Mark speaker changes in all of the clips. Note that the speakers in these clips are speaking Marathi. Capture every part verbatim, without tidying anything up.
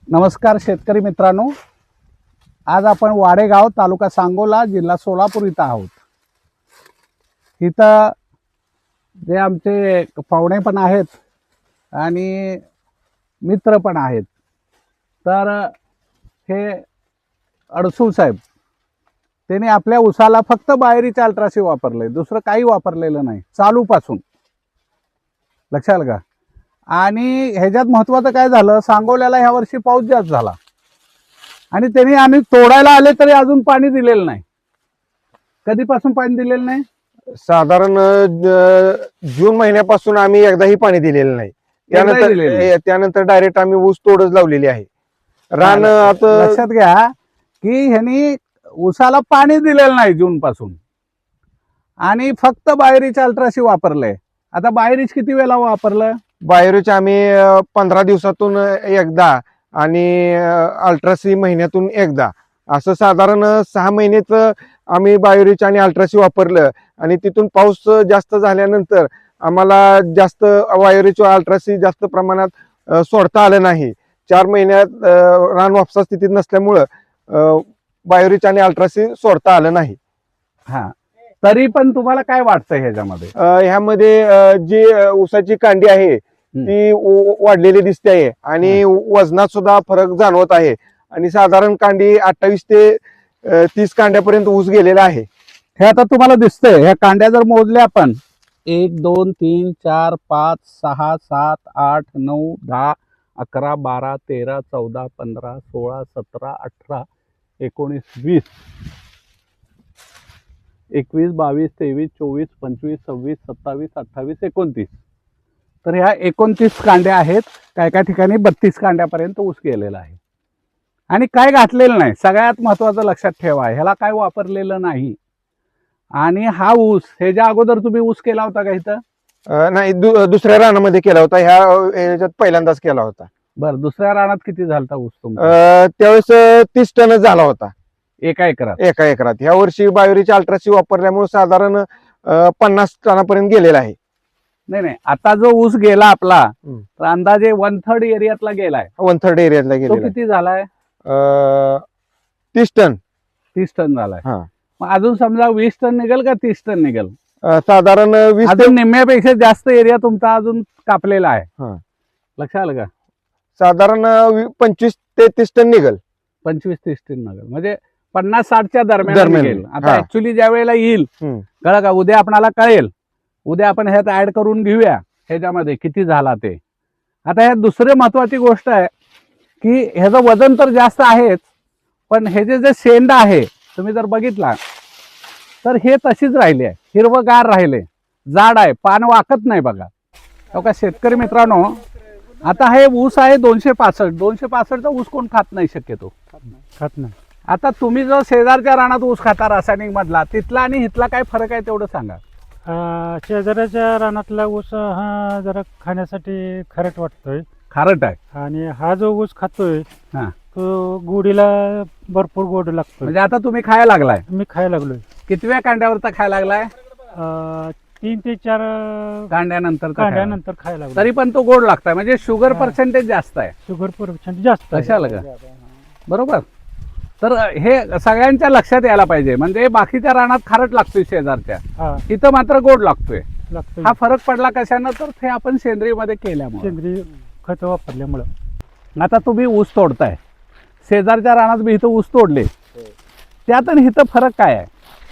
Speaker 1: नमस्कार शेतकरी मित्रांनो, आज आपण वाडेगाव तालुका सांगोला जिल्हा सोलापूर इथं आहोत। इथं जे आमचे पाहुणे पण आहेत आणि मित्र पण आहेत। तर हे अडसूळ साहेब त्यांनी आपल्या उसाला फक्त बाहेरीचे अल्ट्रासी वापरले, दुसरं काही वापरलेलं नाही चालूपासून, लक्षात आलं का? आणि ह्याच्यात महत्त्वाचं काय झालं, सांगोल्याला ह्या वर्षी पाऊस जास्त झाला आणि त्यांनी आम्ही तोडायला आले तरी अजून पाणी दिलेलं नाही। कधीपासून पाणी दिलेलं नाही?
Speaker 2: साधारण जून महिन्यापासून आम्ही एकदाही पाणी दिलेलं नाही। त्यानंतर त्यानंतर डायरेक्ट आम्ही ऊस तोडच लावलेली आहे। रान आता
Speaker 1: लक्षात घ्या की ह्यांनी ऊसाला पाणी दिलेलं नाही जून पासून आणि फक्त बाहेरीचे अल्ट्रासी वापरले। आता बाहेरीच किती वेळा वापरलं?
Speaker 2: बाहेरच आम्ही पंधरा दिवसातून एकदा आणि अल्ट्रासी महिन्यातून एकदा, असं साधारण सहा महिनेच आम्ही बायोरिच आणि अल्ट्रासी वापरलं। आणि तिथून पाऊस जास्त झाल्यानंतर आम्हाला जास्त बायोरिच अल्ट्रासी जास्त प्रमाणात सोडता आलं नाही। चार महिन्यात रान वापसा स्थितीत नसल्यामुळं बायोरिच आणि अल्ट्रासी सोडता आलं नाही।
Speaker 1: हा, तरी पण तुम्हाला काय वाटतं ह्याच्यामध्ये?
Speaker 2: ह्यामध्ये जी ऊसाची कांडी आहे ती वाढलेली दिसते आहे आणि वजनात सुद्धा फरक जाणवत आहे आणि साधारण कांडी अठ्ठावीस ते तीस कांड्यापर्यंत ऊस गेलेला आहे।
Speaker 1: हे आता तुम्हाला दिसतंय, ह्या कांड्या जर मोजल्या आपण एक दोन तीन चार पाच सहा सात आठ नऊ दहा अकरा बारा तेरा चौदा पंधरा सोळा सतरा अठरा एकोणीस वीस एकवीस बावीस तेवीस चोवीस पंचवीस सव्वीस सत्तावीस अठ्ठावीस एकोणतीस, तर ह्या एकोणतीस कांड्या आहेत। काय काय ठिकाणी बत्तीस कांड्यापर्यंत ऊस गेलेला आहे आणि काय घातलेलं नाही। सगळ्यात महत्त्वाचं लक्षात ठेवा, ह्याला काय वापरलेलं नाही। आणि हा ऊस ह्याच्या अगोदर तुम्ही ऊस केला होता का इथं?
Speaker 2: नाही, दुसऱ्या रानामध्ये केला होता, ह्या ह्याच्यात पहिल्यांदाच केला होता।
Speaker 1: बरं, दुसऱ्या रानात किती झालता ऊस तुमचा?
Speaker 2: त्यावेळेस तीस टन झाला होता
Speaker 1: एका एकरात?
Speaker 2: एका एकरात। ह्या वर्षी बायोरिच अल्ट्रासी वापरल्यामुळे साधारण पन्नास टनापर्यंत गेलेला आहे।
Speaker 1: नाही नाही, आता जो ऊस गेला आपला तर अंदाजे वन थर्ड एरियातला गेलाय।
Speaker 2: वन थर्ड एरियातला गेला,
Speaker 1: किती झालाय?
Speaker 2: तीस टन
Speaker 1: तीस टन झालाय।
Speaker 2: हा,
Speaker 1: मग अजून समजा वीस टन निघेल का तीस टन निघेल?
Speaker 2: साधारण वीस
Speaker 1: अजून निम्म्यापेक्षा जास्त एरिया तुमचा अजून कापलेला आहे।
Speaker 2: हा,
Speaker 1: लक्षात आलं का?
Speaker 2: साधारण पंचवीस ते तीस टन निघेल।
Speaker 1: पंचवीस तीस टन निघेल म्हणजे पन्नास साठच्या दरम्यान
Speaker 2: दरम्यान
Speaker 1: निघेल। आता ऍक्च्युली ज्या वेळेला येईल कळलं का, उद्या आपल्याला कळेल, उद्या आपण ह्यात ऍड करून घेऊया ह्याच्यामध्ये किती झाला ते। आता ह्यात दुसरी महत्वाची गोष्ट आहे की ह्याचं वजन तर जास्त आहेच, पण ह्याचे जे शेंड आहे तुम्ही जर बघितला तर हे तशीच राहिले आहे, हिरवगार राहिले, जाड आहे, पान वाकत नाही बघा। हो का शेतकरी मित्रांनो, आता हे ऊस आहे दोनशे पासष्ट दोनशे पासष्टचा ऊस कोण खात नाही शक्यतो,
Speaker 3: खात नाही।
Speaker 1: आता तुम्ही जर शेजारच्या रानात ऊस खाता रासायनिक मधला, तिथला आणि इथला काय फरक आहे तेवढं सांगा।
Speaker 3: शेजाऱ्याच्या रानातला ऊस हा जरा खाण्यासाठी खारट वाटतोय,
Speaker 1: खारट आहे,
Speaker 3: आणि हा जो ऊस खातोय
Speaker 1: हा
Speaker 3: तो गोडीला भरपूर गोड लागतो।
Speaker 1: म्हणजे आता तुम्ही खायला लागलाय?
Speaker 3: मी खायला लागलोय।
Speaker 1: कितव्या कांड्यावरचा खायला लागलाय?
Speaker 3: तीन ते चार
Speaker 1: कांड्यानंतर
Speaker 3: कांड्यानंतर खायला लागलो,
Speaker 1: तरी पण तो गोड लागतोय, म्हणजे शुगर पर्सेंटेज जास्त आहे।
Speaker 3: शुगर पर्सेंट जास्त आहे।
Speaker 1: कशाला का? बरोबर। तर हे सगळ्यांच्या लक्षात यायला पाहिजे, म्हणजे बाकीच्या रानात खारट लागतोय शेजारच्या, इथं मात्र गोड लागतोय। हा फरक पडला कशानं, तर ते आपण सेंद्रिय मध्ये केल्यामुळे,
Speaker 3: सेंद्रिय खत वापरल्यामुळं।
Speaker 1: आता तुम्ही ऊस तोडताय, शेजारच्या रानात बी इथं ऊस तोडले, त्यात आणि इथं फरक काय आहे?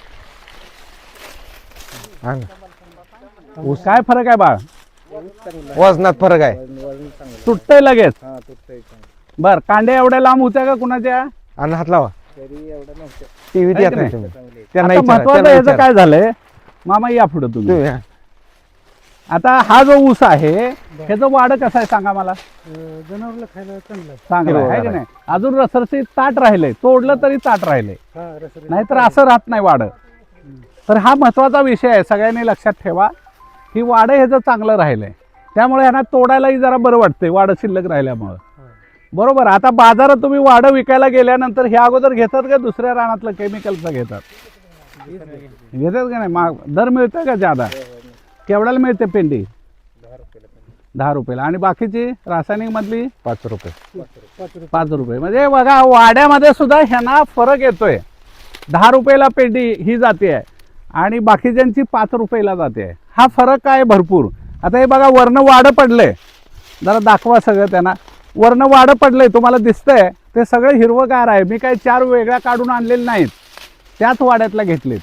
Speaker 1: ऊस काय फरक आहे बाळ?
Speaker 2: वजनात फरक आहे,
Speaker 1: तुटतंय लगेच। बर, कांड्या एवढ्या लांब होत्या का कुणाच्या?
Speaker 2: आणि हात लावा टीव्हीत येत नाही तुम्ही, त्यांना
Speaker 1: आता
Speaker 2: विचारा,
Speaker 1: महत्वाचं
Speaker 2: त्यांना
Speaker 1: याचं
Speaker 2: विचारा।
Speaker 1: काय झालंय मामा, या पुढे तुम्ही।
Speaker 2: तुम्ही
Speaker 1: आता हा जो ऊस आहे ह्याचं वाढ कसं आहे सांगा मला?
Speaker 3: जनावरला खायला चांगलं आहे,
Speaker 1: चांगलं आहे की नाही? अजून रसरशीत ताट राहिले, तोडलं तरी ताट राहिले, नाहीतर असं राहत नाही वाढ। तर हा महत्वाचा विषय आहे, सगळ्यांनी लक्षात ठेवा की वाढ ह्याचं चांगलं राहिलंय, त्यामुळे ह्यांना तोडायलाही जरा बरं वाटतंय वाढ शिल्लक राहिल्यामुळं। बरोबर। आता बाजारात तुम्ही वाढ विकायला गेल्यानंतर हे अगोदर घेतात का दुसऱ्या रानातलं केमिकलचं घेतात? घेतात का नाही? माग दर मिळतोय का? ज्यादा केवढ्याला मिळते पेंडी? दहा रुपयाला आणि बाकीची रासायनिक मधली
Speaker 2: पाच रुपये
Speaker 3: पाच रुपये
Speaker 1: पाच रुपये. म्हणजे बघा वाड्यामध्ये सुद्धा ह्यांना फरक येतोय. दहा रुपयाला पेंडी ही जाते आहे आणि बाकीच्यांची पाच रुपयाला जाते आहे. हा फरक आहे भरपूर. आता हे बघा वरनं वाडं पडलंय, जरा दाखवा सगळं त्यांना. वरनं वाडं पडलंय तुम्हाला दिसतंय, ते सगळं हिरवगार आहे. मी काही चार वेगळ्या काढून आणलेले नाहीत, त्याच वाड्यातल्या घेतलेत.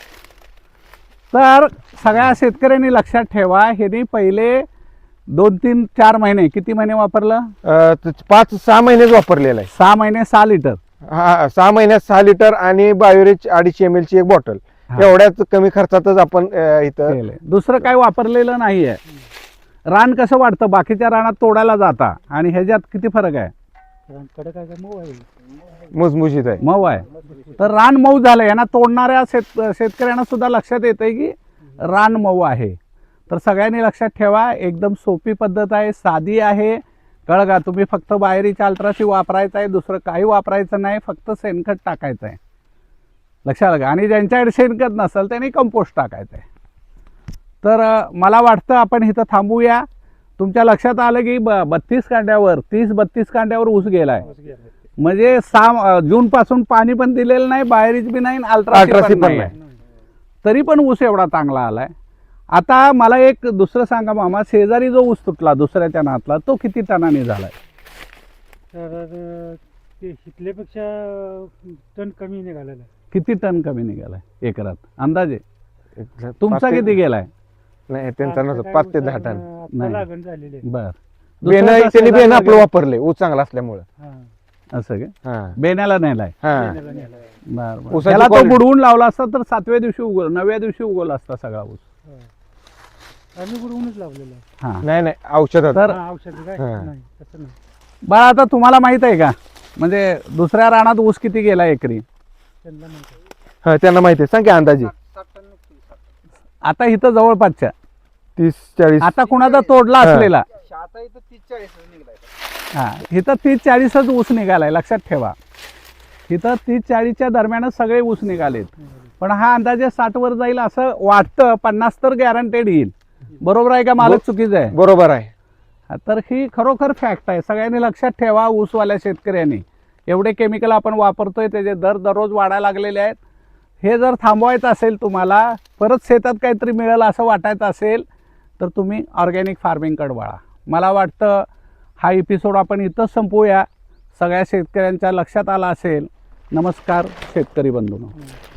Speaker 1: तर सगळ्या शेतकऱ्यांनी लक्षात ठेवा, ह्यांनी पहिले दोन तीन चार महिने किती महिने वापरलं?
Speaker 2: अं, त- पाच सहा महिनेच वापरलेला आहे.
Speaker 1: सहा महिने सहा लिटर.
Speaker 2: हा सहा महिन्यात सहा लिटर आणि बायोरिच अडीचशे एम एल ची एक बॉटल.
Speaker 1: हा.
Speaker 2: एवढ्याच कमी खर्चातच आपण अं, इथं
Speaker 1: केलंय. दुसरं काही वापरलेलं नाहीये. रान कसं वाढतं, बाकीच्या रानात तोडायला जाता आणि ह्याच्यात किती फरक आहे?
Speaker 3: कडक आहे का मऊ आहे?
Speaker 2: मुजमुजीत आहे.
Speaker 1: मऊ आहे. तर रान मऊ झालं. यांना तोडणाऱ्या शेत शेतकऱ्यांना सुद्धा लक्षात येतंय की रान मऊ आहे. तर सगळ्यांनी लक्षात ठेवा, एकदम सोपी पद्धत आहे, साधी आहे. कळगा, तुम्ही फक्त बाहेरीच्या अल्ट्रासी वापरायचं आहे, दुसरं काही वापरायचं नाही, फक्त शेणखत टाकायचं आहे. लक्षात आलं का? आणि ज्यांच्याकडे शेणखत नसेल त्यांनी कंपोस्ट टाकायचं आहे. तर अ, मला वाटतं आपण इथं थांबूया. तुमच्या लक्षात आलं की ब बत्तीस कांड्यावर तीस बत्तीस कांड्यावर ऊस गेलाय. म्हणजे सहा जून पासून पाणी पण दिलेलं नाही, बाहेरीच बी नाही, अल्ट्रासी
Speaker 2: अल्ट्रासी
Speaker 1: पण
Speaker 2: पण
Speaker 1: नाही. तरी पण ऊस एवढा चांगला आलाय. आता मला एक दुसरं सांगा मामा, शेजारी जो ऊस तुटला दुसऱ्याच्या नातला, तो किती टनाने झालाय?
Speaker 3: तर अं, ते हिटल्यापेक्षा टन कमी निघालेलं आहे.
Speaker 1: किती टन कमी निघालाय एकरात अंदाजे?
Speaker 2: पाच
Speaker 1: तुमचा
Speaker 2: ते-
Speaker 1: किती गेलाय?
Speaker 2: नाही त्यांचा
Speaker 3: आता
Speaker 2: नसतो
Speaker 3: काय
Speaker 2: पाच ते
Speaker 3: ऊस
Speaker 2: दहा
Speaker 3: अजून,
Speaker 2: टन.
Speaker 3: अं, आता
Speaker 1: नाही.
Speaker 3: लागण झालेली आहे.
Speaker 1: बर.
Speaker 2: बेन
Speaker 1: दुसऱ्याचा
Speaker 2: त्यांनी बेन
Speaker 1: शेजारी
Speaker 2: आपलं
Speaker 1: वगैरे-
Speaker 2: वापरले ऊस चांगला असल्यामुळे.
Speaker 3: हा.
Speaker 1: असं काय?
Speaker 2: हा
Speaker 1: बेण्याला नेलाय.
Speaker 2: हा
Speaker 3: बेण्याला नेलं आहे.
Speaker 1: बर बर.
Speaker 2: ऊसाची
Speaker 1: त्याला तो
Speaker 2: quality-
Speaker 1: बुडवून लावला असता तर सातव्या दिवशी उगवल, नवव्या दिवशी उगवला असता सगळा ऊस.
Speaker 3: हो. आम्ही बुडवूनच लावलेलं आहे.
Speaker 1: हा.
Speaker 2: नाही नाही औषधात.
Speaker 1: तर
Speaker 3: हा, औषध काय
Speaker 2: हा.
Speaker 3: नाही तसं नाही.
Speaker 1: बाळा, आता तुम्हाला माहित आहे का, म्हणजे दुसऱ्या रानात ऊस किती गेला एकरी?
Speaker 3: त्यांना माहिती आहे.
Speaker 2: हा त्यांना माहिती आहे. सांग की अंदाजे.
Speaker 1: आता इथं जवळपासच्या,
Speaker 2: तीस चाळीस.
Speaker 1: आता कुणाचा तोडला
Speaker 2: हा.
Speaker 1: असलेला, हा इथं तीस चाळीसच ऊस निघालाय. लक्षात ठेवा, इथं तीस चाळीसच्या दरम्यानच सगळे ऊस निघालेत. पण हा अंदाजे साठ वर जाईल असं वाटतं. पन्नास तर गॅरंटेड येईल. बरोबर आहे का? मालक चुकीचं आहे?
Speaker 2: बरोबर आहे.
Speaker 1: हा, तर ही खरोखर फॅक्ट आहे. सगळ्यांनी लक्षात ठेवा, ऊसवाल्या शेतकऱ्यांनी. एवढे केमिकल आपण वापरतोय, त्याचे दर दररोज वाढायला लागलेले आहेत. हे जर थांबवायचं असेल, तुम्हाला परत शेतात काहीतरी मिळेल असं वाटायचं असेल, तर तुम्ही ऑर्गॅनिक फार्मिंगकडे वळा. मला वाटतं हा एपिसोड आपण इथंच संपवूया. सगळ्या शेतकऱ्यांच्या लक्षात आला असेल. नमस्कार शेतकरी बंधूंनो.